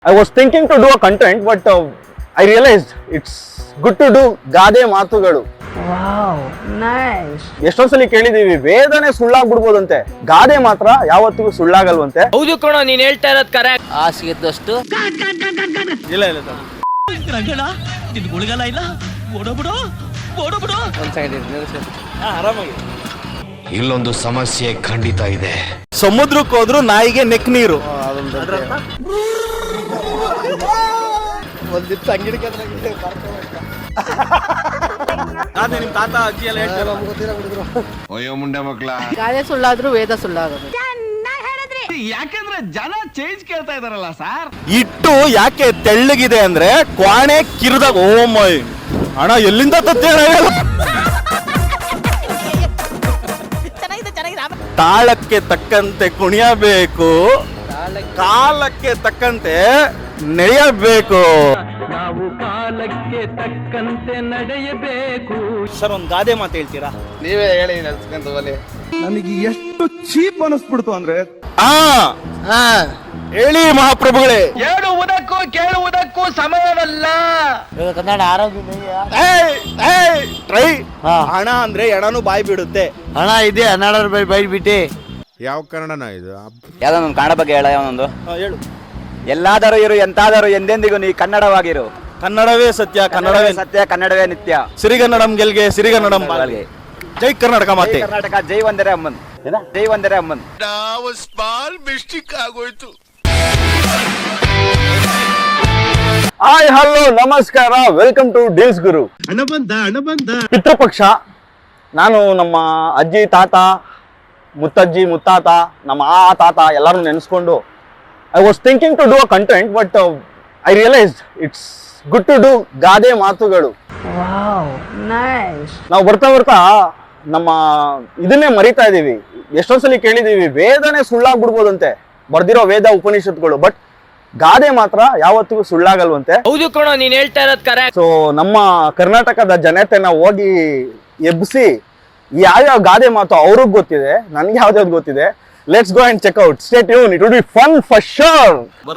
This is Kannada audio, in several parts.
I was thinking to do a content, but I realized it's good to do ಗಾದೆ ಮಾತುಗಳು. Wow nice. ಎಷ್ಟೊಂದ್ಸಲಿ ಕೇಳಿದೀವಿ ವೇದನೆ ಸುಳ್ಳಾಗ್ಬಿಡ್ಬೋದಂತೆ, ಗಾದೆ ಮಾತ್ರ ಯಾವತ್ತಿಗೂ ಸುಳ್ಳಾಗಲ್ವಂತೆ. ಹೌದು ಕಣೋ, ನೀನ್ ಹೇಳ್ತಾ ಇರೋದ್ ಕರೆಕ್ಟ್. ಹಾಸಿಗೆದ್ದಷ್ಟು ಇಲ್ಲ ಇಲ್ಲ ರಂಗಣ ನಿನ್ ಗುಳಿಗಲ ಇಲ್ಲ, ಓಡೋಬಿಡು ಓಡೋಬಿಡು. ಒಂದ್ ಸೆಕೆಂಡ್ ಆರಾಮಾಗಿ. ಇಲ್ಲೊಂದು ಸಮಸ್ಯೆ ಖಂಡಿತ ಇದೆ. ಸಮುದ್ರಕ್ಕೆ ಹೋದ್ರು ನಾಯಿಗೆ ನೆಕ್ ನೀರು. ಒಂದಿತ್ತು ಅಂಗಡಿಗೆ ನಿಮ್ ತಾತ ಅಜ್ಜಿ ಎಲ್ಲ ಹೇಳ್ತಾರೆ. ಅಯ್ಯೋ ಮುಂಡೆ ಮಕ್ಳ, ಗಾದೆ ಸುಳ್ಳಾದ್ರೂ ವೇದ ಸುಳ್ಳಾಗೋದು. ಯಾಕಂದ್ರೆ ಜನ ಚೇಂಜ್ ಕೇಳ್ತಾ ಇದಾರಲ್ಲ ಸರ್. ಇಟ್ಟು ಯಾಕೆ ತೆಳ್ಳಗಿದೆ ಅಂದ್ರೆ ಕ್ವಾಣೆ ಕಿರಿದಾಗ ಓ ಮೈ ಹಣ ಎಲ್ಲಿಂದ ತತ್ತೇಳ ತಾಳಕ್ಕೆ ತಕ್ಕಂತೆ ಕುಣಿಯಬೇಕು, ಕಾಲಕ್ಕೆ ತಕ್ಕಂತೆ ನಡೆಯಬೇಕು. ನಾವು ಕಾಲಕ್ಕೆ ತಕ್ಕಂತೆ ನಡೆಯಬೇಕು. ಸರ್ ಒಂದ್ ಗಾದೆ ಮಾತು ಹೇಳ್ತೀರಾ? ನೀವೇ ಹೇಳಿ ನೆನ್ಸ್ಕೊಂತ ಹೋಲಿ. ನನಗೆ ಎಷ್ಟು ಚೀಪ್ ಅನಿಸ್ಬಿಡ್ತು ಅಂದ್ರೆ ಹೇಳಿ ಮಹಾಪ್ರಭುಗಳೇ. ಹೇಳುವುದಕ್ಕೂ ಕೇಳುವುದಕ್ಕೂ ಸಮಯವಲ್ಲ. ಕನ್ನಡ ಆರೋಗ್ಯ ಟ್ರೈ ಹಣ ಅಂದ್ರೆ ಎಣನು ಬಾಯಿ ಬಿಡುತ್ತೆ. ಹಣ ಇದೆ 12 ರೂಪಾಯಿ ಬೈಟ್ಬಿಟ್ಟು. ಯಾವ ಕನ್ನಡನ ಇದು? ಯಾವ್ದೋ ಒಂದು ಕನ್ನಡ ಬಗ್ಗೆ ಹೇಳ. ಯಾವನೊಂದು ಹೇಳು. ಎಲ್ಲಾದರೂ ಇರು ಎಂತಾದರೂ ಎಂದೆಂದಿಗೂ ನೀ ಕನ್ನಡವಾಗಿರು. ಕನ್ನಡವೇ ಸತ್ಯ, ಕನ್ನಡವೇ ಸತ್ಯ, ಕನ್ನಡವೇ ನಿತ್ಯ. ಸಿರಿಗನ್ನಡಂ ಗೆಲ್ಗೆ, ಸಿರಿಗನ್ನಡಂ ಬಾಳ್ಗೆ. ಜೈ ಕರ್ನಾಟಕ ಮಾತೆ. ಜೈ ಕರ್ನಾಟಕ, ಜೈ ವಂದನೆ ಅಮ್ಮನ್, ಜೈ ವಂದನೆ ಅಮ್ಮನ್. ನಾವು ಸ್ಮಾಲ್ ಮಿಸ್ಟೇಕ್ ಆಗೋಯ್ತು. ಹಾಯ್ ಹಲೋ ನಮಸ್ಕಾರ, ವೆಲ್ಕಮ್ ಟು ಡೀಲ್ಸ್ ಗುರು. ಹಣ ಬಂದ ಪಿತೃಪಕ್ಷ. ನಾನು ನಮ್ಮ ಅಜ್ಜಿ ತಾತ, ಮುತ್ತಜ್ಜಿ ಮುತ್ತಾತ, ನಮ್ಮ ತಾತ ಎಲ್ಲರೂ ನೆನೆಸ್ಕೊಂಡು I was thinking to do a content, but I realized it's good to do ಗಾದೆ ಮಾತುಗಳು. Wow nice. ನಾವು ಬರ್ತಾ ಬರ್ತಾ ನಮ್ಮ ಇದನ್ನೇ ಮರಿತಾ ಇದೀವಿ. ಎಷ್ಟೊಂದ್ಸಲಿ ಕೇಳಿದೀವಿ ವೇದನೆ ಸುಳ್ಳಾಗ್ಬಿಡ್ಬೋದಂತೆ, ಬರ್ದಿರೋ ವೇದ ಉಪನಿಷತ್ಗಳು, ಬಟ್ ಗಾದೆ ಮಾತ್ರ ಯಾವತ್ತಿಗೂ ಸುಳ್ಳಾಗಲ್ವಂತೆ. ಹೌದು ಕಣೋ, ನೀನ್ ಹೇಳ್ತಾ ಇರೋದ್ ಕರೆಕ್ಟ್. ಸೊ ನಮ್ಮ ಕರ್ನಾಟಕದ ಜನತೆನ ಹೋಗಿ ಎಬ್ಬಿಸಿ ಯಾವ್ಯಾವ ಗಾದೆ ಮಾತು ಅವ್ರಿಗೆ ಗೊತ್ತಿದೆ, ನನ್ಗೆ ಯಾವ್ದಾವ್ದು ಗೊತ್ತಿದೆ. Let's go and check out. Stay tune, it will be fun for sure.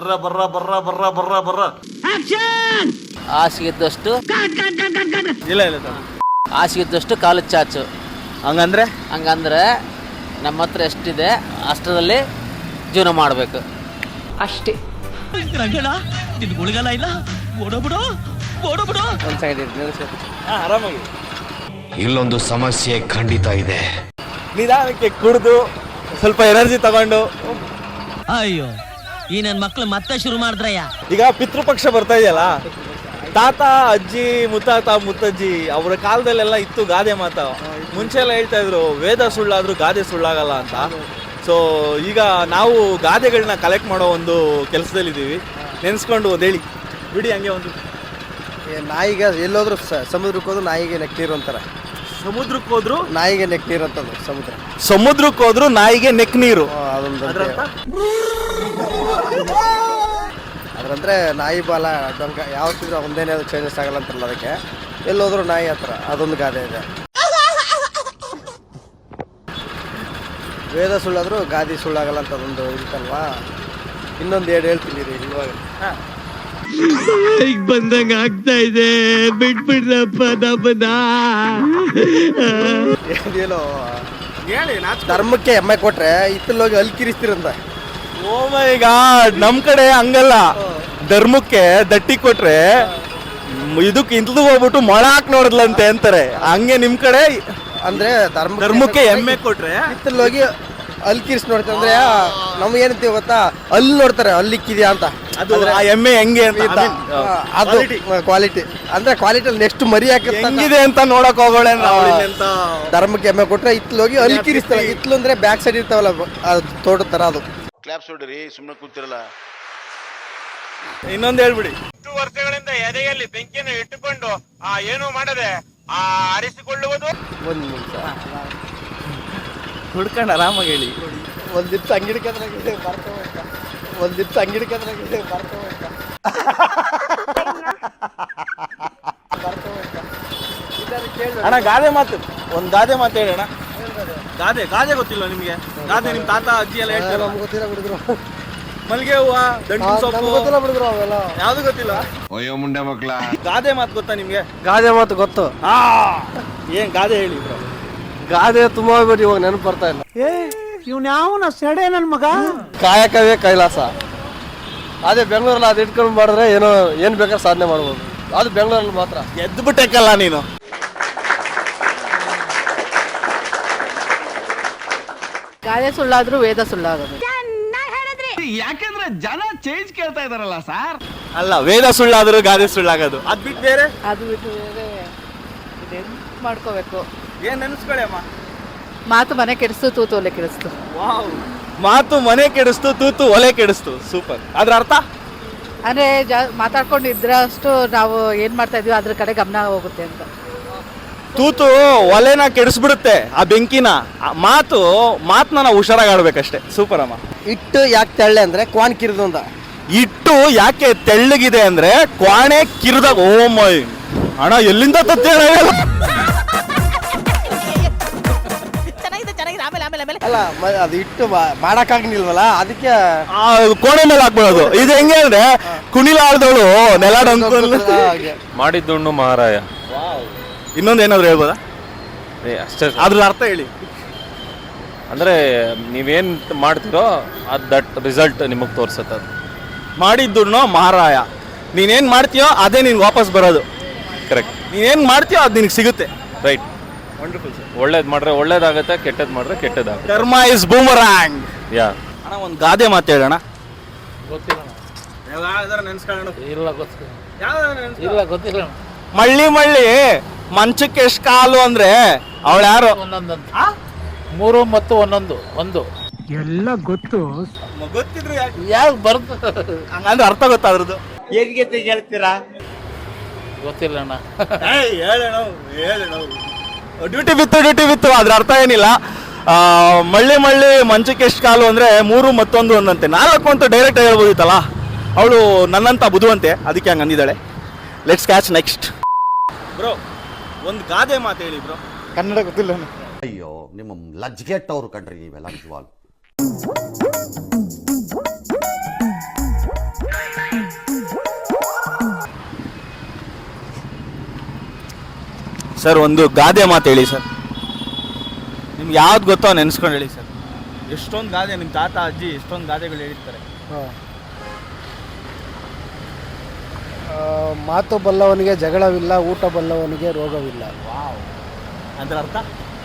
ಹಾಸಿಗೆದ್ದಷ್ಟು ಇಲ್ಲ ಇಲ್ಲ ಹಾಸಿಗೆದ್ದಷ್ಟು ಕಾಲು ಚಾಚು. ಹಂಗಂದ್ರೆ ಹಂಗಂದ್ರೆ ನಮ್ಮ ಹತ್ರ ಎಷ್ಟಿದೆ ಅಷ್ಟರಲ್ಲಿ ಜೀವನ ಮಾಡಬೇಕು ಅಷ್ಟೇ. ರಂಗಣ ನಿನ್ ಗುಳಿಗಲ ಇಲ್ಲ, ಓಡೋಬಿಡು ಓಡೋಬಿಡು. ಒಂದ್ ಸೆಕೆಂಡ್ ಆರಾಮಾಗಿ. ಇಲ್ಲೊಂದು ಸಮಸ್ಯೆ ಖಂಡಿತ ಇದೆ. ನಿಧಾನಕ್ಕೆ ಕುಡಿದು ಸ್ವಲ್ಪ ಎನರ್ಜಿ ತಗೊಂಡು. ಅಯ್ಯೋ, ಈ ನನ್ ಮಕ್ಳು ಮತ್ತೆ ಶುರು ಮಾಡಿದ್ರಯ್ಯ. ಈಗ ಪಿತೃಪಕ್ಷ ಬರ್ತಾ ಇದೆಯಲ್ಲ, ತಾತ ಅಜ್ಜಿ ಮುತ್ತಾತ ಮುತ್ತಜ್ಜಿ ಅವರ ಕಾಲದಲ್ಲೆಲ್ಲ ಇತ್ತು ಗಾದೆ ಮಾತ. ಮುಂಚೆ ಎಲ್ಲ ಹೇಳ್ತಾ ಇದ್ರು ವೇದ ಸುಳ್ಳಾದ್ರೂ ಗಾದೆ ಸುಳ್ಳಾಗಲ್ಲ ಅಂತ. ಸೊ ಈಗ ನಾವು ಗಾದೆಗಳನ್ನ ಕಲೆಕ್ಟ್ ಮಾಡೋ ಒಂದು ಕೆಲಸದಲ್ಲಿದ್ದೀವಿ. ನೆನೆಸ್ಕೊಂಡು ಒಂದು ಹೇಳಿ ಬಿಡಿ. ಹಂಗೆ ಒಂದು ನಾಯಿಗೆ ಎಲ್ಲೋದ್ರು ಸಮುದ್ರಕ್ಕೆ ಹೋದ್ರು ನಾಯಿಗೆ ನೆಕ್ ನೀರು ಅಂತಾರೆ. ಸಮುದ್ರಕ್ಕೆ ಹೋದ್ರು ನಾಯಿಗೆ ನೆಕ್ ನೀರು ಅಂತಂದು ಸಮುದ್ರ. ಸಮುದ್ರಕ್ಕೆ ಹೋದ್ರು ನಾಯಿಗೆ ನೆಕ್ ನೀರು. ಅದೊಂದು ಅದ್ರಂದ್ರೆ ನಾಯಿ ಬಾಲ ಡೊಂಕ ಯಾವತ್ತಿದ್ರು ಒಂದೇನೇ ಅದು ಚೇಂಜಸ್ ಆಗಲ್ಲ ಅಂತಾರಲ್ಲ, ಅದಕ್ಕೆ ಎಲ್ಲೋದ್ರು ನಾಯಿ ಹತ್ರ ಅದೊಂದು ಗಾದೆ ಇದೆ. ವೇದ ಸುಳ್ಳಾದ್ರೂ ಗಾದಿ ಸುಳ್ಳಾಗಲ್ಲ ಅಂತ ಅದೊಂದು ಇರುತ್ತಲ್ವಾ. ಇನ್ನೊಂದು ಹೇಳ್ತೀನಿ ರೀ ಇವಾಗ. ಈಗ ಬಂದಂಗ ಆಗ್ತಾ ಇದೆ, ಬಿಟ್ಬಿಡ್ರಪ್ಪ ನಮ್ಮನ್ನ. ಏನೋ ಧರ್ಮಕ್ಕೆ ಎಮ್ಮೆ ಕೊಟ್ರೆ ಇತ್ತಲ್ಲೋಗಿ ಅಲ್ಕಿರಿಸ್ತಿರಂತ. ಓ ಮೈ ಗಾಡ್, ನಮ್ ಕಡೆ ಹಂಗಲ್ಲ. ಧರ್ಮಕ್ಕೆ ದಟ್ಟಿ ಕೊಟ್ರೆ ಇದಕ್ಕೆ ಇಂತದ್ದು ಹೋಗ್ಬಿಟ್ಟು ಮೊಳ ಹಾಕಿ ನೋಡಿದ್ಲಂತೆ ಅಂತಾರೆ. ಹಂಗೆ ನಿಮ್ ಕಡೆ ಅಂದ್ರೆ ಧರ್ಮಕ್ಕೆ ಎಮ್ಮೆ ಕೊಟ್ರೆ ಇತ್ತಲ್ಲೋಗಿ ಅಲ್ಕಿರಿಸಿ ನೋಡ್ತಾರೆ. ಅಂದ್ರೆ ನಮ್ಗೆ ಏನಂತೀವಿ ಗೊತ್ತಾ, ಅಲ್ಲಿ ನೋಡ್ತಾರೆ ಅಲ್ಲಿಕ್ಕಿದ್ಯಾ ಅಂತ. ಅದು ಆ ಎಮ್ಮೆ ಹೆಂಗೆ ಅಂತ ಅದು ಕ್ವಾಲಿಟಿ ಅಂದ್ರೆ ಕ್ವಾಲಿಟಿ ನೆಕ್ಸ್ಟ್ ಮರಿ ಹೆಂಗಿದೆ ಅಂತ ನೋಡಕ್ ಹೋಗೋಣ. ಧರ್ಮಕ್ಕೆ ಎಮ್ಮೆ ಕೊಟ್ರೆ ಇತ್ತಲೋಗಿ ಅಲ್ಕಿರಿಸ್ತಾರೆ. ಇತ್ಲು ಅಂದ್ರೆ ಬ್ಯಾಕ್ ಸೈಡ್ ಇರ್ತಾವಲ್ಲ ತೋಟ ತರ, ಅದು ಕ್ಲಾಪ್ಸ್ ಹೊಡ್ರಿ, ಸುಮ್ಮನೆ ಕೂತಿರಲ್ಲ. ಇನ್ನೊಂದು ಹೇಳ್ಬಿಡಿ. 10 ವರ್ಷಗಳಿಂದ ಎದೆಯಲ್ಲಿ ಬೆಂಕಿಯನ್ನು ಇಟ್ಟುಕೊಂಡು ಏನು ಮಾಡದೆ ಆರಿಸಿಕೊಳ್ಳುವುದು. ಒಂದ್ ನಿಮಿಷ ಹುಡ್ಕೊಂಡು ಆರಾಮಾಗಿ ಹೇಳಿ. ಒಂದಿತ್ತು ಅಂಗಡಿಗೆ ಒಂದಿತ್ತು ಅಂಗಡಿಗೆ ಅಣ್ಣ ಗಾದೆ ಮಾತು, ಒಂದ್ ಗಾದೆ ಮಾತು ಹೇಳೋಣ. ಗಾದೆ ಗಾದೆ ಗೊತ್ತಿಲ್ಲ ನಿಮ್ಗೆ? ಗಾದೆ ನಿಮ್ ತಾತ ಅಜ್ಜಿ ಎಲ್ಲ ಹೇಳ್ತಾರೆ. ಗೊತ್ತಿಲ್ಲ ಬಿಡಿದ್ರು. ಮಲ್ಗೆ ಹೂವ, ದಂಟು ಸೊಪ್ಪು, ಗೊತ್ತಿಲ್ಲ ಬಿಡಿದ್ರು ಅವೆಲ್ಲ. ಯಾವ್ದು ಗೊತ್ತಿಲ್ಲ. ಅಯ್ಯೋ ಮುಂಡೆ ಮಕ್ಳ ಗಾದೆ ಮಾತು ಗೊತ್ತಾ ನಿಮ್ಗೆ? ಗಾದೆ ಮಾತು ಗೊತ್ತು. ಏನ್ ಗಾದೆ ಹೇಳಿ ಬ್ರೋ. ಗಾದೆ ತುಂಬಾ ಹೋಗ್ಬಿಟ್ಟು ಇವಾಗ ನೆನಪು ಬರ್ತಾ ಇಲ್ಲ. ಇವ್ನ ಯಾವನ ಸೆಡೆ ನನ್ ಮಗ. ಕಾಯಕವೇ ಕೈಲಾಸ. ಅದೇ ಬೆಂಗಳೂರಲ್ಲಿ ಅದು ಇಟ್ಕೊಂಡು ಮಾಡಿದ್ರೆ ಏನೋ ಏನ್ ಬೇಕಾದ್ರೆ ಸಾಧನೆ ಮಾಡ್ಬೋದು. ಅದು ಬೆಂಗಳೂರಲ್ಲಿ ಮಾತ್ರ. ಎದ್ದು ಬಿಟ್ಟೆಕ್ಕಲ್ಲ ನೀನು. ಗಾದೆ ಸುಳ್ಳಾದ್ರೂ ವೇದ ಸುಳ್ಳಾಗೋದು. ಯಾಕಂದ್ರೆ ಜನ ಚೇಂಜ್ ಕೇಳ್ತಾ ಇದಾರಲ್ಲ ಸರ್. ಅಲ್ಲ, ವೇದ ಸುಳ್ಳಾದ್ರೂ ಗಾದೆ ಸುಳ್ಳಾಗೋದು. ಅದ್ ಬಿಟ್ಟು ಬೇರೆ ಅದು ಬಿಟ್ಟು ಬೇರೆ ಇದೇನ್ ಮಾಡ್ಕೋಬೇಕು. ಏನ್ ನೆನ್ಸ್ಕೊಳ್ಳಿ ಅಮ್ಮ. ಮಾತು ಮನೆ ಕೆಡಿಸ್ತು, ತೂತು ಒಲೆ ಕೆಡಿಸ್ತು. ವಾವ್, ಮಾತು ಮನೆ ಕೆಡಿಸ್ತು, ತೂತು ಒಲೆ ಕೆಡಿಸ್ತು. ಸೂಪರ್. ಅದ್ರ ಅರ್ಥ? ಅಂದ್ರೆ ಮಾತಾಡ್ಕೊಂಡಿದ್ರಷ್ಟು ನಾವು ಏನ್ ಮಾಡ್ತಾ ಇದೀವಿ ಅದ್ರ ಕಡೆ ಗಮನ ಹೋಗುತ್ತೆ ಅಂತ. ತೂತು ಒಲೆನ ಕೆಡಿಸ್ಬಿಡುತ್ತೆ, ಆ ಬೆಂಕಿನ. ಆ ಮಾತನ್ನ ನಾವು ಹುಷಾರಾಗಿ ಆಡ್ಬೇಕಷ್ಟೇ. ಸೂಪರ್ ಅಮ್ಮ. ಇಟ್ಟು ಯಾಕೆ ತೆಳ್ಳೆ ಅಂದ್ರೆ ಕ್ವಾನ್ ಕಿರಿದು ಅಂತ. ಇಟ್ಟು ಯಾಕೆ ತೆಳ್ಳಗಿದೆ ಅಂದ್ರೆ ಕ್ವಾಣೆ ಕಿರಿದಾಗ. ಓ ಮೈ ಅಣ್ಣ, ಎಲ್ಲಿಂದ ತತ್ತಿ ಅಲ್ಲ ಅದು ಇಟ್ಟು ಮಾಡಕ್ಕಾಗಿಲ್ವಲ್ಲ, ಅದಕ್ಕೆ ಕೋಣೆ ಮೇಲೆ ಹಾಕ್ಬಿಡೋದು. ಇದು ಹೆಂಗೆ ಅಂದ್ರೆ ಕುಣಿಲಾರ್ದವಳು ನೆಲ ಮಾಡಿದ್ದುಣ್ಣು ಮಹಾರಾಯ. ಇನ್ನೊಂದು ಏನಾದ್ರು ಹೇಳ್ಬೋದಾ? ಅಷ್ಟೇ. ಅದ್ರ ಅರ್ಥ ಹೇಳಿ. ಅಂದ್ರೆ ನೀವೇನ್ ಮಾಡ್ತೀರೋ ದಟ್ ರಿಸಲ್ಟ್ ನಿಮಗೆ ತೋರ್ಸತ್ತೆ. ಅದು ಮಾಡಿದ್ದುಣ್ಣು ಮಹಾರಾಯ. ನೀನೇನ್ ಮಾಡ್ತೀಯೋ ಅದೇ ನಿನ್ಗೆ ವಾಪಸ್ ಬರೋದು. ಕರೆಕ್ಟ್. ನೀನೇನ್ ಮಾಡ್ತೀಯೋ ಅದು ನಿನ್ಗೆ ಸಿಗುತ್ತೆ. ರೈಟ್. Wonderful sir. ಒಳ್ಳೇದ್ ಮಾಡ್ರೆ ಒಳ್ಳೇದಾಗತ್ತೆ, ಕೆಟ್ಟದ್ ಮಾಡ್ರೆ ಕೆಟ್ಟದಾಗುತ್ತೆ. ಕರ್ಮ ಇಸ್ ಬೂಮರಾಂಗ್. ಯಾ. ಅಣ್ಣ, ಒಂದು ಗಾದೆ ಮಾತು ಹೇಳೋಣ. ಗೊತ್ತಿಲ್ಲ. ಇಲ್ಲ, ಗೊತ್ತಿಲ್ಲ. ಮಳ್ಳಿ ಮಂಚಕ್ಕೆ ಎಷ್ಟು ಕಾಲು ಅಂದ್ರೆ ಅವಳು ಯಾರು? ಒಂದೊಂದಂತ 3 ಮತ್ತು 11 ಒಂದು ಎಲ್ಲ ಗೊತ್ತು. ಗೊತ್ತಿದ್ರು ಯಾವ್ದು ಬರುತ್ತೆ ಹಂಗಂದ್ರೆ ಅರ್ಥ ಗೊತ್ತಾದ್ರದ್ದು. ಹೇಗೆ ಹೇಳ್ತೀರಾ? ಗೊತ್ತಿಲ್ಲ ಅಣ್ಣ. ಡ್ಯೂಟಿ ಬಿತ್ತು. ಅದ್ರ ಅರ್ಥ ಏನಿಲ್ಲ. ಮಳ್ಳಿ ಮಂಚಕ್ಕೆ ಎಷ್ಟು ಕಾಲು ಅಂದ್ರೆ 3 ಮತ್ತೊಂದು ಒಂದಂತೆ. 4 ಅಂತ ಡೈರೆಕ್ಟ್ ಹೇಳ್ಬೋದಿತ್ತಲ್ಲ. ಅವಳು ನನ್ನಂತ ಬುದ್ಧಿವಂತೆ, ಅದಕ್ಕೆ ಹಂಗೆ ಅಂದಿದ್ದಾಳೆ. Let's catch next. ಬ್ರೋ, ಒಂದು ಗಾದೆ ಮಾತು ಹೇಳಿ ಬ್ರೋ. ಕನ್ನಡ ಗೊತ್ತಿಲ್ಲ. ಅಯ್ಯೋ, ನಿಮ್ಮ ಲಜ್ಗೆಟ್ಟವ್ರು ಕಣ್ರಿ ನೀವೆಲ್ಲ ನಿಜವಾಗ್ಲು. ಸರ್, ಒಂದು ಗಾದೆ ಮಾತು ಹೇಳಿ ಸರ್. ನಿಮ್ಗೆ ಯಾವ್ದು ಗೊತ್ತೋ ನೆನ್ಸ್ಕೊಂಡು ಹೇಳಿ ಸರ್. ಎಷ್ಟೊಂದು ಗಾದೆ ನಿಮ್ಮ ತಾತ ಅಜ್ಜಿ ಎಷ್ಟೊಂದು ಗಾದೆಗಳು ಹೇಳಿರ್ತಾರೆ. ಮಾತು ಬಲ್ಲವನಿಗೆ ಜಗಳವಿಲ್ಲ, ಊಟ ಬಲ್ಲವನಿಗೆ ರೋಗವಿಲ್ಲ. ಅದ್ರ ಅರ್ಥ?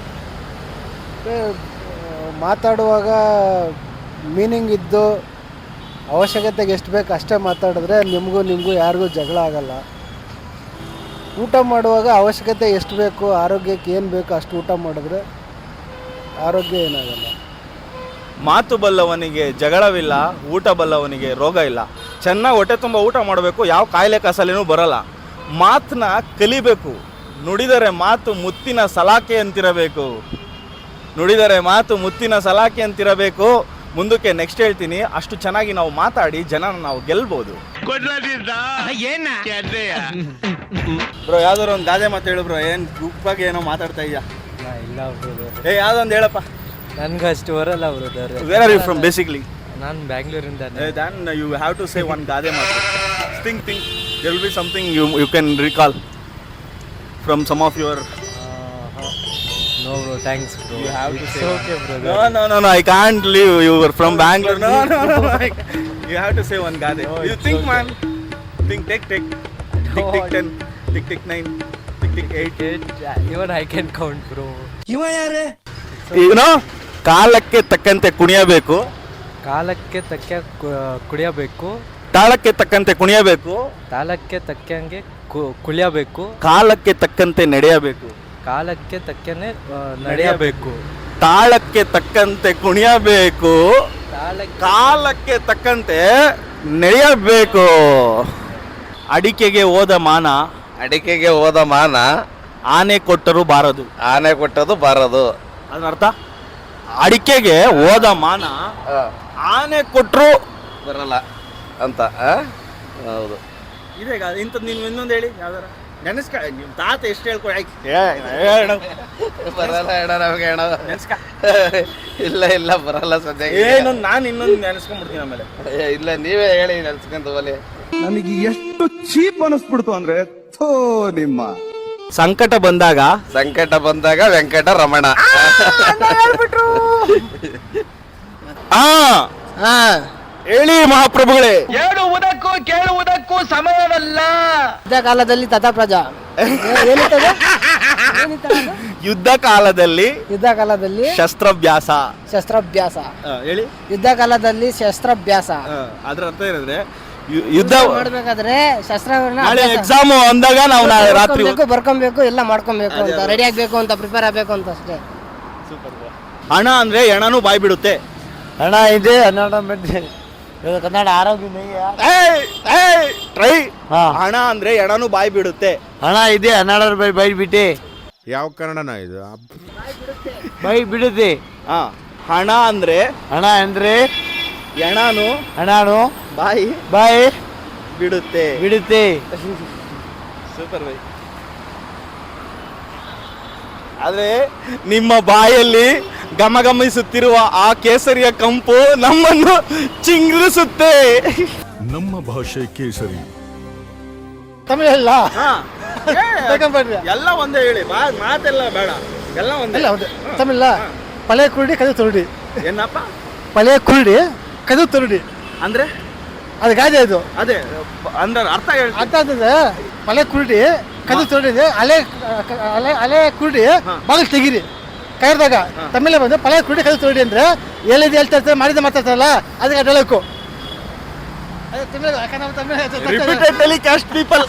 ಮಾತಾಡುವಾಗ ಮೀನಿಂಗ್ ಇದ್ದು ಅವಶ್ಯಕತೆಗೆ ಎಷ್ಟು ಬೇಕು ಅಷ್ಟೇ ಮಾತಾಡಿದ್ರೆ ನಿಮಗೂ ಯಾರಿಗೂ ಜಗಳ ಆಗಲ್ಲ. ಊಟ ಮಾಡುವಾಗ ಅವಶ್ಯಕತೆ ಎಷ್ಟು ಬೇಕು, ಆರೋಗ್ಯಕ್ಕೆ ಏನು ಬೇಕು ಅಷ್ಟು ಊಟ ಮಾಡಿದ್ರೆ ಆರೋಗ್ಯ ಏನಾಗಲ್ಲ. ಮಾತು ಬಲ್ಲವನಿಗೆ ಜಗಳವಿಲ್ಲ, ಊಟ ಬಲ್ಲವನಿಗೆ ರೋಗ ಇಲ್ಲ. ಚೆನ್ನಾಗಿ ಹೊಟ್ಟೆ ತುಂಬ ಊಟ ಮಾಡಬೇಕು, ಯಾವ ಕಾಯಿಲೆ ಕಸಾಲೆನೂ ಬರಲ್ಲ. ಮಾತನ್ನ ಕಲಿಬೇಕು. ನುಡಿದರೆ ಮಾತು ಮುತ್ತಿನ ಸಲಾಕೆ ಅಂತಿರಬೇಕು. ಮುಂದಕ್ಕೆ ನೆಕ್ಸ್ಟ್ ಹೇಳ್ತೀನಿ. ಅಷ್ಟು ಚೆನ್ನಾಗಿ ನಾವು ಮಾತಾಡಿ ಜನನ ನಾವು ಗೆಲ್ಬೋದು. ಬ್ರೋ, ಯಾವ್ದಾರು ಒಂದು ಗಾದೆ ಮಾತು ಹೇಳು ಬ್ರೋ. ಏನು ಗುಪ್ಪಾಗಿ ಏನೋ ಮಾತಾಡ್ತಾ ಇದೆಯಾ? ಇಲ್ಲ ಬ್ರದರ್. ಯಾವ್ದೊಂದು ಹೇಳಪ್ಪ. ನನ್ಗೆ ಅಷ್ಟು ಬರಲ್ಲ brother. Where are you from basically? ನಾನು ಬ್ಯಾಂಗ್ಳೂರಿಂದ. Then you have to say one ಗಾದೆ ಮಾತು. Think. There will be something you can recall from some of your. No bro, thanks bro. You have to say. Okay brother. No. I can't leave. You were from Bangalore. No. You have to say one ಗಾದೆ. You think, man. Think. Tick 10. Tick 9. Tick 8. Even I can count bro. ಕಾಲಕ್ಕೆ ತಕ್ಕಂತೆ ಕುಣಿಯಬೇಕು. ಕಾಲಕ್ಕೆ ತಕ್ಕ ಕುಡಿಯಬೇಕು. ತಾಳಕ್ಕೆ ತಕ್ಕಂತೆ ಕುಣಿಯಬೇಕು. ತಾಳಕ್ಕೆ ತಕ್ಕಂಗೆ ಕುಳಿಯಬೇಕು. ಕಾಲಕ್ಕೆ ತಕ್ಕಂತೆ ನಡೆಯಬೇಕು. ಕಾಲಕ್ಕೆ ತಕ್ಕನೆ ನಡೆಯಬೇಕು. ತಾಳಕ್ಕೆ ತಕ್ಕಂತೆ ಕುಣಿಯಬೇಕು. ಕಾಲಕ್ಕೆ ತಕ್ಕಂತೆ ನಡೆಯಬೇಕು. ಅಡಿಕೆಗೆ ಹೋದ ಮಾನ ಆನೆ ಕೊಟ್ಟರು ಬಾರದು. ಅದರ ಅರ್ಥ? ಅಡಿಕೆಗೆ ಹೋದ ಮಾನ ಆನೆ ಕೊಟ್ಟರು ಬರಲ್ಲ ಅಂತ. ಹೌದು. ಇದೆ ಇಂಥದ್ದು. ನೀವು ಇನ್ನೊಂದು ಹೇಳಿ ಯಾವ್ದಾರ. ನಿಮ್ಮ ತಾತ ಎಷ್ಟು ಹೇಳ್ಕೊಡಿ ಬರಲ್ಲ ಅಣ್ಣ ನಮಗೆ ಅಣ್ಣ. ಇಲ್ಲ ಇಲ್ಲ ಬರಲ್ಲ ಸದ್ಯ. ಏನೊಂದು ನಾನು ಇನ್ನೊಂದು ನೆನೆಸ್ಕೊಂಡ್ಬಿಡ್ತೀನಿ ಆಮೇಲೆ. ಇಲ್ಲ ನೀವೇ ಹೇಳಿ ನೆನ್ಸ್ಕೊಂತ ಹೋಲಿ. ನನಗೆ ಎಷ್ಟು ಚೀಪ್ ಅನಿಸ್ಬಿಡ್ತು ಅಂದ್ರೆ ಥೋ ನಿಮ್ಮ ಸಂಕಟ ಬಂದಾಗ ವೆಂಕಟ ರಮಣ. ಹೇಳಿ ಮಹಾಪ್ರಭುಗಳೇ. ಹೇಳುವುದಕ್ಕೂ ಕೇಳುವುದಕ್ಕೂ ಸಮಯವಲ್ಲ. ಯುದ್ಧ ಕಾಲದಲ್ಲಿ ತಥಾ ಪ್ರಜಾ ಯುದ್ಧ ಕಾಲದಲ್ಲಿ ಶಸ್ತ್ರಾಭ್ಯಾಸ. ಹೇಳಿ. ಯುದ್ಧ ಕಾಲದಲ್ಲಿ ಶಸ್ತ್ರಾಭ್ಯಾಸ ಅದ್ರ ಅರ್ಥ ಏನಂದ್ರೆ ಯುದ್ಧ ಮಾಡ್ಬೇಕಾದ್ರೆ ಶಸ್ತ್ರಗಳನ್ನ ನಾಳೆ ಎಕ್ಸಾಮ್ ಅಂದಾಗ ನಾವು ನಾಳೆ ರಾತ್ರಿ ಬರ್ಕೊಬೇಕು ಎಲ್ಲ ಮಾಡ್ಕೊಬೇಕು ಅಂತ ರೆಡಿ ಆಗ್ಬೇಕು ಅಂತ ಪ್ರಿಪೇರ್ ಆಗ್ಬೇಕು ಅಂತ ಅಷ್ಟೇ. ಹಣ ಅಂದ್ರೆ ಎಣನೂ ಬಾಯ್ ಬಿಡುತ್ತೆ. ಹಣ ಇದೆ ಕನ್ನಡ ಆರೋಗ್ಯ ಟ್ರೈ. ಹಣ ಅಂದ್ರೆ ಎಣನೂ ಬಾಯ್ ಬಿಡುತ್ತೆ. ಹಣ ಇದೆ 12 ರೂಪಾಯಿ ಬೈ ಬಿಟ್ಟೆ ಯಾವ ಕನ್ನಡನ ಇದು? ಬೈ ಬಿಡುತ್ತೆ. ಹಣ ಅಂದ್ರೆ ಎಣನು ಬಾಯಿ ಬಿಡುತ್ತೆ. Super bye. ಆದ್ರೆ ನಿಮ್ಮ ಬಾಯಲ್ಲಿ ಗಮಗಮಿಸುತ್ತಿರುವ ಆ ಕೇಸರಿಯ ಕಂಪು ನಮ್ಮನ್ನು ಚಿಂಗ್ರಿಸುತ್ತೆ. ನಮ್ಮ ಭಾಷೆ ಕೇಸರಿ. ತಮಿಳ್ ಇಲ್ಲ ಎಲ್ಲ ಒಂದೇ ಹೇಳಿ, ಮಾತೆಲ್ಲ ಬೇಡ, ಎಲ್ಲ ಒಂದೇ. ತಮಿಳ ಪಳೆಯ ಕುರುಡಿ ಕದು ತುರುಡಿ. ಏನಪ್ಪ ಪಳೆಯ ಕುರುಡಿ ಕದು ತುರುಡಿ ಅಂದ್ರೆ? ಅದು ಗಾದೆ. ಅದು ಅದೇ ಅಂದ್ರೆ ಅರ್ಥ ಹೇಳಿ. ಅರ್ಥ ಆಗ್ತದೆ. ಪಳೆಯ ಕುರುಡಿ ಕದು ತುರುಡಿ ಅಲೆ ಕುರುಡಿ ಬಾಗಿಲು ತೆಗೀರಿ ಕೈರ್ದಾಗ. ತಮಿಳ ಬಂದು ಪಳೆಯ ಕುರುಡಿ ಕದು ತುರುಡಿ ಅಂದ್ರೆ ಹೇಳಿದ್ದು ಹೇಳ್ತಾ ಇರ್ತಾರೆ, ಮಾಡಿದ ಮಾತಾಡ್ತಾರಲ್ಲ ಅದಕ್ಕೆ ಅಡ್ಡಳಕು. Repeated telecast people.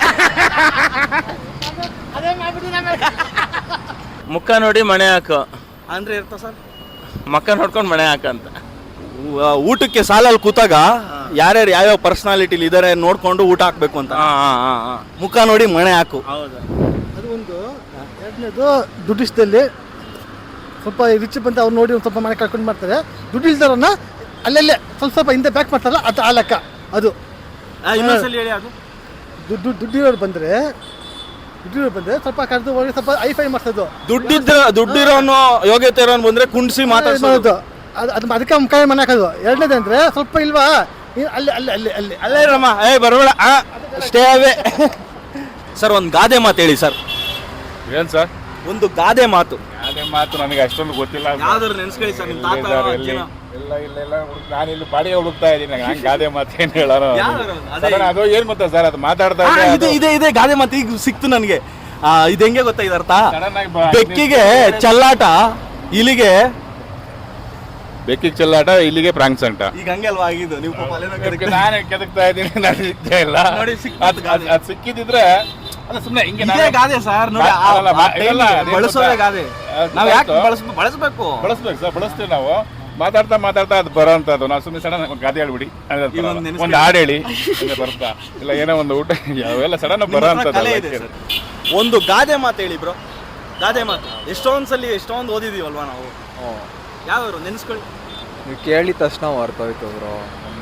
ಮುಖ ನೋಡಿ ಮಣೆ ಹಾಕು ಅಂದ್ರೆ ಇರ್ತ ಸರ್, ಮಕ್ಕ ನೋಡ್ಕೊಂಡು ಮಣೆ ಹಾಕಂತ. ಊಟಕ್ಕೆ ಸಾಲಲ್ಲಿ ಕೂತಾಗ ಯಾರ್ಯಾರು ಯಾವ್ಯಾವ ಪರ್ಸನಾಲಿಟಿಲಿ ಇದಾರೆ ನೋಡ್ಕೊಂಡು ಊಟ ಹಾಕ್ಬೇಕು ಅಂತ. ಮುಖ ನೋಡಿ ಮಣೆ ಹಾಕು. ಅದು ಒಂದು. ಎರಡನೇದು ದುಡ್ಡಿಷ್ಟದಲ್ಲಿ ಸ್ವಲ್ಪ ರಿಚ್ ಬಂತ ಅವ್ರು ನೋಡಿ ಒಂದು ಸ್ವಲ್ಪ ಮನೆ ಕಳ್ಕೊಂಡು ಮಾಡ್ತಾರೆ. ದುಡ್ಡು ಇಲ್ದಾರನ್ನ ಅಲ್ಲೆಲ್ಲೇ ಸ್ವಲ್ಪ ಹಿಂದೆ ಬ್ಯಾಕ್ ಮಾಡ್ತಾರಲ್ಲ ಅದು ಆ ಲೆಕ್ಕ. ಅದು ಇನ್ನೊಂದ್ಸಲಿ ಹೇಳಿ. ಅದು ದುಡ್ಡಿರೋರು ಬಂದ್ರೆ ಸ್ವಲ್ಪ ಕರೆದು ಹೋಗಿ ಸ್ವಲ್ಪ ಐಫೈ ಮಾಡ್ಸೋದು. ದುಡ್ಡಿರೋನು ಯೋಗ್ಯತೆ ಇರೋನು ಬಂದ್ರೆ ಕುಂಡಿಸಿ ಮಾತಾಡೋದು. ಅದು ಅದಕ್ಕೆ ಮುಖಾಯ ಮನೆ ಹಾಕೋದು. ಎರಡನೇದಂದ್ರೆ ಸ್ವಲ್ಪ ಇಲ್ವಾ ಅಲ್ಲೇ ರಮ್ಮ ಬರಬೇಡ ಸ್ಟೇ ಅವೇ. ಸರ್ ಒಂದು ಗಾದೆ ಮಾತು ಹೇಳಿ ಸರ್. ಏನ್ ಸರ್? ಒಂದು ಗಾದೆ ಮಾತು. ನನಗೆ ಅಷ್ಟೊಂದು ಗೊತ್ತಿಲ್ಲ. ಯಾವ್ದಾದ್ರು ನೆನ್ಸ್ಕೊಳ್ಳಿ ಸರ್ ನಿಮ್ಮ ತಾತ ಅಜ್ಜಿನ. ಇಲ್ಲ ನಾನು ಇಲ್ಲಿ ಬಾಡಿಗೆ ಹುಡುಕ್ತಾ ಇದ್ದೀನಿ. ನಂಗೆ ಗಾದೆ ಮಾತು ಏನು ಹೇಳೋಣ? ಅದು ಏನ್ ಗೊತ್ತಾ ಸರ್, ಅದು ಮಾತಾಡ್ತಾ ಇದೆ ಗಾದೆ ಮಾತು ಈಗ ಸಿಕ್ತು ನನಗೆ. ಇದು ಹೆಂಗೆ ಗೊತ್ತಾ ಇದರ್ಥ? ಬೆಕ್ಕಿಗೆ ಚಲ್ಲಾಟ, ಇಲ್ಲಿಗೆ ಚೆಲ್ಲಾಟ, ಇಲ್ಲಿಗೆ ಪ್ರಾಂಕ್ಸ್ ಅಂತ. ಈಗ ಹಂಗೆ ಅಲ್ವಾ ಆಗಿದ್ದು? ನೀವು ನಾನು ಕೆದಕ್ತಾ ಇದ್ದೀನಿ, ನಾನು ಸಿಗ್ತಾ ಇಲ್ಲ. ಅದು ಸಿಕ್ಕಿದ್ರೆ ಸುಮ್ಮನೆ ಹಿಂಗೆ ಗಾದೆ ಸರ್. ನೋಡಿ ಬಳಸೋದೇ ಗಾದೆ. ನಾವು ಯಾಕೆ ಬಳಸ್ಬೇಕು ಸರ್, ಬಳಸ್ತೀವಿ ನಾವು. ಮಾತಾಡ್ತಾ ಅದು ಬರೋಂಥದ್ದು. ನಾವು ಸುಮ್ಮನೆ ಸಡನ್ ಗಾದೆ ಹೇಳ್ಬಿಡಿ, ಒಂದು ಹಾಡು ಹೇಳಿ ಬರುತ್ತಾ ಇಲ್ಲ, ಏನೋ ಒಂದು ಊಟ, ಅವೆಲ್ಲ ಸಡನ್ ಬರೋಂಥದ್ದು. ಒಂದು ಗಾದೆ ಮಾತು ಹೇಳಿ ಬ್ರೋ. ಗಾದೆ ಮಾತು ಎಷ್ಟೊಂದು ಓದಿದೀವಲ್ವಾ ನಾವು. ಯಾವ್ಯಾರು ನೆನ್ಸ್ಕೊಳ್ಳಿ. ನೀವು ಕೇಳಿದ ತಕ್ಷಣ ಹೊರ್ತೋಯ್ತು ಬ್ರೋ.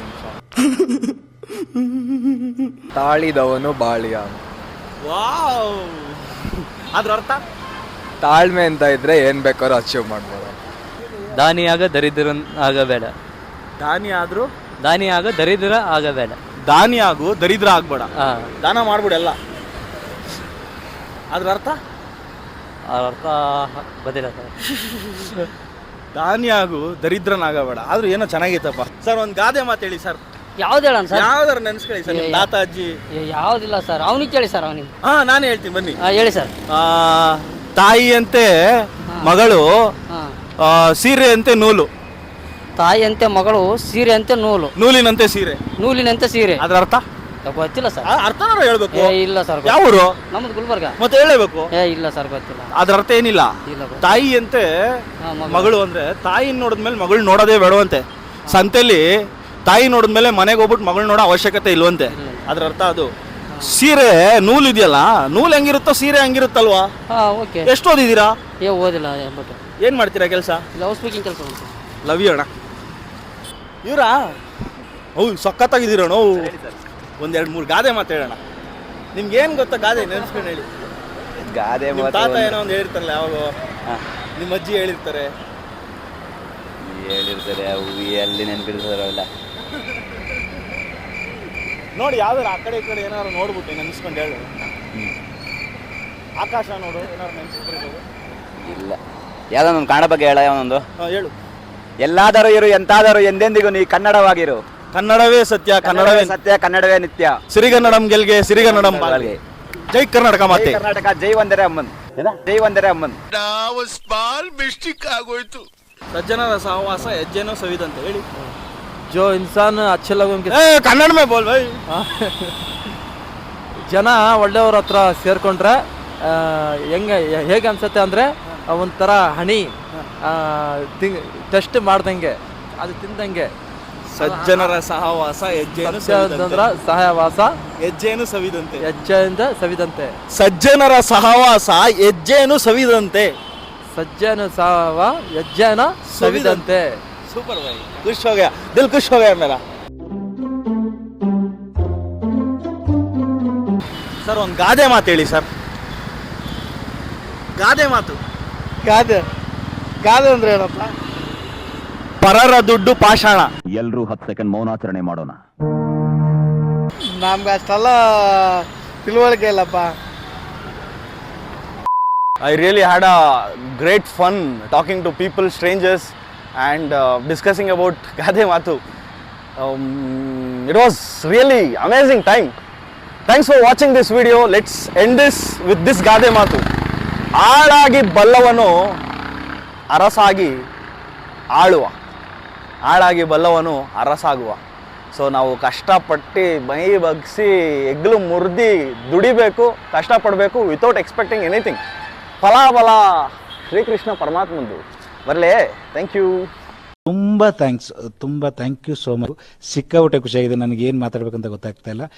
ತಾಳಿದವನು ಬಾಳಿಯ. ವಾವ್. ಅದ್ರ ಅರ್ಥ? ತಾಳ್ಮೆ ಅಂತ ಇದ್ರೆ ಏನ್ ಬೇಕಾದ್ರೂ ಅಚೀವ್ ಮಾಡ್ಬೋದು. ದಾನಿಯಾಗ ದರಿದ್ರ ಆಗಬೇಡ. ದಾನಿ ಆಗ ದರಿದ್ರ ಆಗಬೇಡ. ದಾನಿ ಆಗು ದರಿದ್ರ ಆಗ್ಬೇಡ. ದಾನ ಮಾಡ್ಬಿಡ ಎಲ್ಲ. ಅದ್ರ ಅರ್ಥ? ಗೊತ್ತಿಲ್ಲ ಸರ್. ದಾನಿ ಆಗು ದರಿದ್ರನಾಗಬೇಡ. ಆದ್ರೂ ಏನೋ ಚೆನ್ನಾಗೈತಪ್ಪ ಸರ್. ಒಂದು ಗಾದೆ ಮಾತು ಹೇಳಿ ಸರ್. ಯಾವ್ದು ಹೇಳೋಣ ಸರ್? ಯಾವ್ದಾರು ನೆನ್ಸ್ಕೊಳ್ಳಿ ಸರ್. ನಿಮ್ಮ ತಾತ ಅಜ್ಜಿ. ಯಾವ್ದಿಲ್ಲ ಸರ್, ಅವನಿಗೆ ಕೇಳಿ ಸರ್. ಅವನಿಗೆ ನಾನು ಹೇಳ್ತೀನಿ ಬನ್ನಿ. ಹೇಳಿ ಸರ್. ತಾಯಿಯಂತೆ ಮಗಳು, ಸೀರೆಯಂತೆ ನೂಲು. ತಾಯಿಯಂತೆ ಮಗಳು, ಸೀರೆಯಂತೆ ನೂಲು, ನೂಲಿನಂತೆ ಸೀರೆ, ನೂಲಿನಂತೆ ಸೀರೆ. ಅದ್ರ ಅರ್ಥ ಗೊತ್ತಿಲ್ಲ ಸರ್. ಅರ್ಥನಾರು ಹೇಳ್ಬೇಕು. ಇಲ್ಲ ಸರ್. ಯಾವ ಊರು? ನಮ್ದು ಗುಲ್ಬರ್ಗ. ಮತ್ತೆ ಹೇಳಬೇಕು. ಇಲ್ಲ ಸರ್ ಗೊತ್ತಿಲ್ಲ. ಅದ್ರ ಅರ್ಥ ಏನಿಲ್ಲ. ತಾಯಿಯಂತೆ ಮಗಳು ಅಂದ್ರೆ ತಾಯಿ ನೋಡಿದ್ಮೇಲೆ ಮಗಳು ನೋಡೋದೇ ಬೇಡವಂತೆ. ಸಂತೆಲಿ ತಾಯಿ ನೋಡಿದ್ಮೇಲೆ ಮನೆಗೆ ಹೋಗ್ಬಿಟ್ಟು ಮಗಳು ನೋಡೋ ಅವಶ್ಯಕತೆ ಇಲ್ವಂತೆ. ಅದ್ರ ಅರ್ಥ ಅದು. ಸೀರೆ ನೂಲು ಇದೆಯಲ್ಲ, ನೂಲು ಹೆಂಗಿರುತ್ತೋ ಸೀರೆ ಹಂಗಿರುತ್ತಲ್ವಾ? ಎಷ್ಟು ಓದಿದ್ದೀರಾ? ಓದಿಲ್ಲ. ಏನ್ ಮಾಡ್ತೀರಾ ಕೆಲಸ? ಲವ್ ಸ್ಪೀಕಿಂಗ್ ಕೆಲಸ. ಲವ್ ಯು ಅಣ್ಣ. ಇವರಾ? ಹೌದು, ಸಖತ್ತಾಗಿದ್ದೀರಣ್ಣ. ಒಂದೆರಡು ಮೂರು ಗಾದೆ ಮಾತು ಹೇಳೋಣ. ನಿಮ್ಗೆ ಏನು ಗೊತ್ತಾ ಗಾದೆ ನೆನ್ಸ್ಕೊಂಡು ಹೇಳಿ. ಗಾದೆ ನಿಮ್ಮ ಮಾತು ತಾತ ಏನೋ ಒಂದು ಹೇಳಿರ್ತಾರಲ್ಲ ಯಾವಾಗ ಹಾ. ನಿಮ್ಮ ಅಜ್ಜಿ ಹೇಳಿರ್ತಾರೆ. ಹೇಳಿರ್ತಾರೆ ಅವು ಎಲ್ಲಿ ನೆನಪಿರ್ತಾರೆ ಅವೆಲ್ಲ. ನೋಡಿ ಯಾವ್ದಾರು ಆ ಕಡೆ ಈ ಕಡೆ ಏನಾದ್ರು ನೋಡ್ಬಿಟ್ಟು ನೆನ್ಸ್ಕೊಂಡು ಹೇಳು. ಆಕಾಶ ನೋಡು ಏನಾದ್ರು ನೆನ್ಸ್ಬಿಡ್ಬೋದು. ಇಲ್ಲ ಯಾವ್ದೊಂದು ಕನ್ನಡ ಬಗ್ಗೆ ಹೇಳ ಯಾವನೊಂದು. ಹೇಳು. ಎಲ್ಲಾದರೂ ಇರು ಎಂತಾದರೂ ಎಂದೆಂದಿಗೂ ನೀ ಕನ್ನಡವಾಗಿರು. ಕನ್ನಡವೇ ಸತ್ಯ, ಕನ್ನಡವೇ ಸತ್ಯ, ಕನ್ನಡವೇ ನಿತ್ಯ. ಸಿರಿಗನ್ನಡಂ ಗೆಲ್ಗೆ ಸಿರಿಗನ್ನಡಂ ಬಾಳ್ಗೆ. ಜೈ ಕರ್ನಾಟಕ ಮಾತೆ. ಕರ್ನಾಟಕ ಜೈ ವಂದನೆ ಅಮ್ಮನ್. ಜೈ ವಂದನೆ ಅಮ್ಮನ್. ಸ್ಮಾಲ್ ಮಿಸ್ಟೇಕ್ ಆಗೋಯ್ತು. ಸಜ್ಜನರ ಸಹವಾಸ ಹೆಜ್ಜೆನೋ ಸವಿದಂತೆ ಹೇಳಿ. ಜೋ ಇನ್ಸಾನ್ ಅಚ್ಚೆ ಲೋಗೋಂಗೆ ಕನ್ನಡ ಮೇ ಬೋಲ್ ಬೈ. ಜನ ಒಳ್ಳೆಯವ್ರ ಹತ್ರ ಸೇರ್ಕೊಂಡ್ರೆ ಹೇಗೆ ಅನ್ಸುತ್ತೆ ಅಂದರೆ ಒಂಥರ ಹಣಿ ಟೆಸ್ಟ್ ಮಾಡ್ದಂಗೆ, ಅದು ತಿಂದಂಗೆ. ಸಜ್ಜನರ ಸಹವಾಸ ಹೆಜ್ಜೆನು ಸವಿದಂತೆ. ಸಹವಾಸ ಹೆಜ್ಜೆನು ಸವಿದಂತೆ. ಹೆಜ್ಜೆಯಿಂದ ಸವಿದಂತೆ. ಸಜ್ಜನರ ಸಹವಾಸ ಹೆಜ್ಜೆನು ಸವಿದಂತೆ. ಸಜ್ಜನ ಸಹವ ಹೆಜ್ಜೆನ ಸವಿದಂತೆ. ಸೂಪರ್ ಭಾई, ಖುಷ್ हो गया, दिल खुश हो गया मेरा. ಸರ್ ಒಂದು ಗಾದೆ ಮಾತು ಹೇಳಿ ಸರ್. ಗಾದೆ ಮಾತು. ಗಾದೆ ಗಾದೆ ಅಂದ್ರೆ ಏನಪ್ಪ? ಪರರ ದುಡ್ಡು ಪಾಷಾಣ. ಎಲ್ರೂ 10 ಸೆಕೆಂಡ್ ಮೌನಾಚರಣೆ ಮಾಡೋಣ. ನಮ್ಗೆ ಅಷ್ಟೆಲ್ಲ ತಿಳುವಳಿಕೆ ಇಲ್ಲಪ್ಪ. I really had a great fun talking to people, strangers, and discussing about Gade Matu. It was really amazing time. Thanks for watching this video. Let's end this with this Gade Matu. ಆಳಾಗಿ ಬಲ್ಲವನು ಅರಸಾಗಿ ಆಳುವ, ಆಳಾಗಿ ಬಲ್ಲವನು ಅರಸಾಗುವ. ಸೊ ನಾವು ಕಷ್ಟಪಟ್ಟು ಮೈ ಬಗ್ಸಿ ಹೆಗ್ಲು ಮುರಿದು ದುಡಿಬೇಕು, ಕಷ್ಟಪಡಬೇಕು ವಿತೌಟ್ ಎಕ್ಸ್ಪೆಕ್ಟಿಂಗ್ ಎನಿಥಿಂಗ್. ಫಲಾಫಲ ಶ್ರೀಕೃಷ್ಣ ಪರಮಾತ್ಮಂದು ಬರಲೇ. Thank you. ತುಂಬ ಥ್ಯಾಂಕ್ಸ್, ತುಂಬ ಥ್ಯಾಂಕ್ ಯು ಸೋ ಮಚ್. ಸಿಕ್ಕಾಪಟ್ಟೆ ಖುಷಿಯಾಗಿದೆ. ನನಗೆ ಏನು ಮಾತಾಡ್ಬೇಕಂತ ಗೊತ್ತಾಗ್ತಾ ಇಲ್ಲ.